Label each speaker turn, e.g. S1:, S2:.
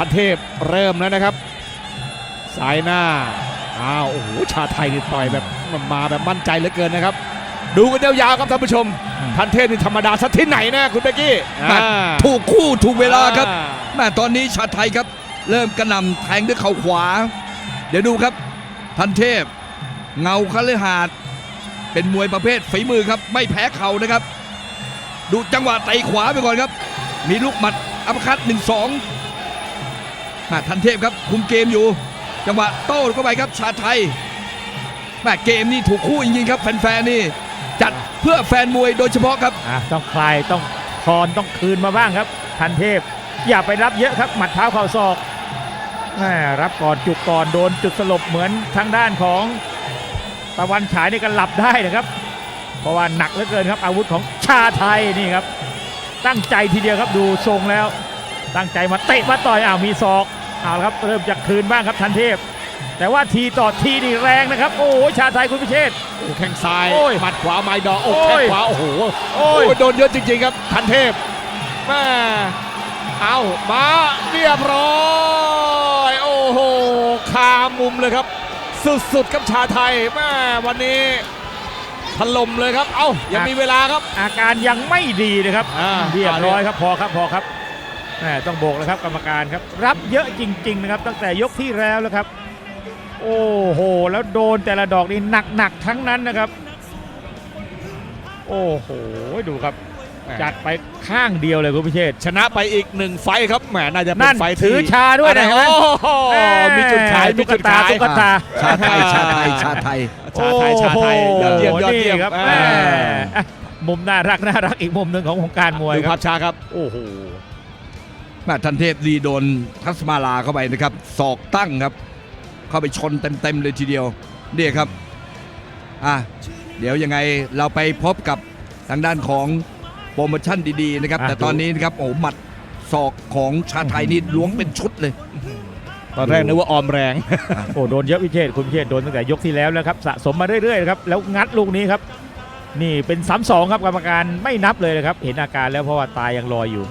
S1: ทันเทพเริ่มแล้วนะครับสายหน้าโอ้โหชาไทยนี่ต่อยแบบมาแบบมั่นใจเหลือเกินนะครับดูกันยาวๆครับท่านผู้ชมทันเทพนี่ธรรมดาสักที่ไหนนะคุณเบกกี้
S2: ถูกคู่ถูกเวลาครับแม่ตอนนี้ชาไทยครับเริ่มกระหน่ำแทงด้วยเข่าขวาเดี๋ยวดูครับทันเทพเงาคฤหาสน์เป็นมวยประเภทฝีมือครับไม่แพ้เข่านะครับดูจังหวะเตะขวาไปก่อนครับมีลูกหมัดอัปคัต1-2ทันเทพครับคุมเกมอยู่จังหวะโต้เข้าไปครับชาไทยแม่เกมนี่ถูกคู่จริงๆครับแฟนๆนี่จัดเพื่อแฟนมวยโดยเฉพาะครับ
S3: ต้องคลายต้องคอนต้องคืนมาบ้างครับทันเทพอย่าไปรับเยอะครับหมัดเท้าเข่าศอกรับก่อนจุกก่อนโดนจุดสลบเหมือนทางด้านของตะวันฉายนี่ก็หลับได้นะครับเพราะว่าหนักเหลือเกินครับอาวุธของชาไทยนี่ครับตั้งใจทีเดียวครับดูทรงแล้วตั้งใจมาเตะมาต่อยมีศอกละครับเริ่มจากคืนบ้างครับทันเทพแต่ว่าทีต่อทีนี่แรงนะครับโอ้ชาไทยคุณพิเชษ
S1: แข้งซ้ายหมัดขวาไม้ดอกแข้งขวาโอ้โหโดนเยอะจริงๆครับทันเทพมาเรียบร้อยโอ้โหคามุมเลยครับสุดๆครับชาไทยวันนี้ถล่มเลยครับยังมีเวลาครับ
S3: อาการยังไม่ดีนะครับเรียบร้อยครับพอครับต้องโบกแล้วครับกรรมการครับรับเยอะจริงๆนะครับตั้งแต่ยกที่แล้วแล้วครับโอ้โหแล้วโดนแต่ละดอกนี่หนักทั้งนั้นนะครับโอ้โหดูครับจัดไปข้างเดียวเลยคุณพิเชษ
S1: ชนะไปอีก1ไฟครับน่าจะเป็นไฟ
S3: ถือชาด้วยนะ
S1: มีจุดขาย
S3: ตุ๊กตา
S2: ชาไทยเ
S1: ยี่ยม
S3: ครับมุมน่ารักอีกมุมหนึ่งของวงการมวย
S1: ดูภาพช้าครับ
S3: โอ้โห
S2: ทันเทพดีโดนทัศมาลาเข้าไปนะครับศอกตั้งครับเข้าไปชนเต็มเลยทีเดียวนี่ครับเดี๋ยวยังไงเราไปพบกับทางด้านของโปรโมชั่นดีๆนะครับแต่ตอนนี้นะครับโอ้หมัดศอกของชาไทยนี่ล้วงเป็นชุดเลย
S1: ตอนแรกนึกว่าออมแรง
S3: โดนเยอะพิเชษคุณพิเชษโดนตั้งแต่ยกที่แล้วแล้วครับสะสมมาเรื่อยๆครับแล้วงัดลูกนี้ครับนี่เป็น3-2ครับกรรมการไม่นับเลยนะครับเห็นอาการแล้วเพราะว่าตายังลอยอยู่